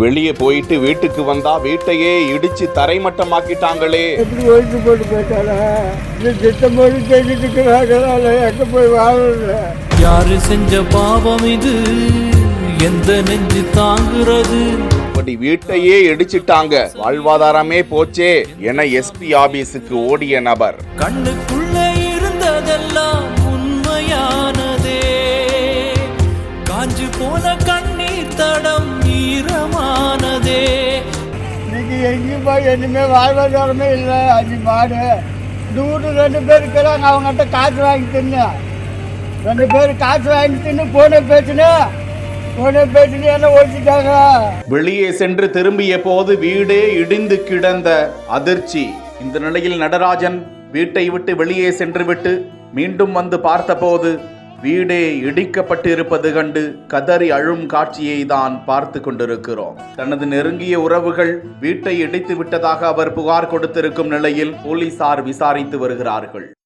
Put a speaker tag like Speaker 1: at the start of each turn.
Speaker 1: வெளியே போயிட்டு வீட்டுக்கு வந்தா வீட்டையே இடிச்சு தரைமட்டமாக்கிட்டாங்களே.
Speaker 2: எப்படி ஒழிச்சு போட்டு போயிட்டாரா? திட்டம் போட்டு செஞ்சுட்டு இருக்கிறாங்களா? எங்க போய் வாழல?
Speaker 3: யாரு செஞ்ச பாவம் இது? எந்த நெஞ்சு தாங்குறது?
Speaker 1: அப்படி வீட்டையே இடிச்சிட்டாங்க, வாழ்வாதாரமே போச்சே என எஸ்பி ஆபீஸுக்கு ஓடிய நபர்.
Speaker 3: கண்ணுக்குள்ள இருந்ததெல்லாம் உண்மையானதே, காஞ்சு போன கண்ணீர் தடம் ஈரமானதே.
Speaker 2: இன்னைக்கு எங்கேயும் போய் இனிமே வாழ்வாதாரமே இல்லை. 5 மாடு 2 பேர் இருக்கிறாங்க. அவங்ககிட்ட காசு வாங்கி தின்னு 2 பேர் காசு வாங்கி தின்னு போன பேச்சுன்னு எல்லாம் ஓடிட்டாங்க.
Speaker 1: வெளியே சென்று திரும்பிய போது வீடே இடிந்து கிடந்த அதிர்ச்சி. இந்த நிலையில் நடராஜன் வீட்டை விட்டு வெளியே சென்று விட்டு மீண்டும் வந்து பார்த்தபோது வீடே இடிக்கப்பட்டு இருப்பது கண்டு கதறி அழும் காட்சியை தான் பார்த்து கொண்டிருக்கிறோம். தனது நெருங்கிய உறவுகள் வீட்டை இடித்து விட்டதாக அவர் புகார் கொடுத்திருக்கும் நிலையில் போலீசார் விசாரித்து வருகிறார்கள்.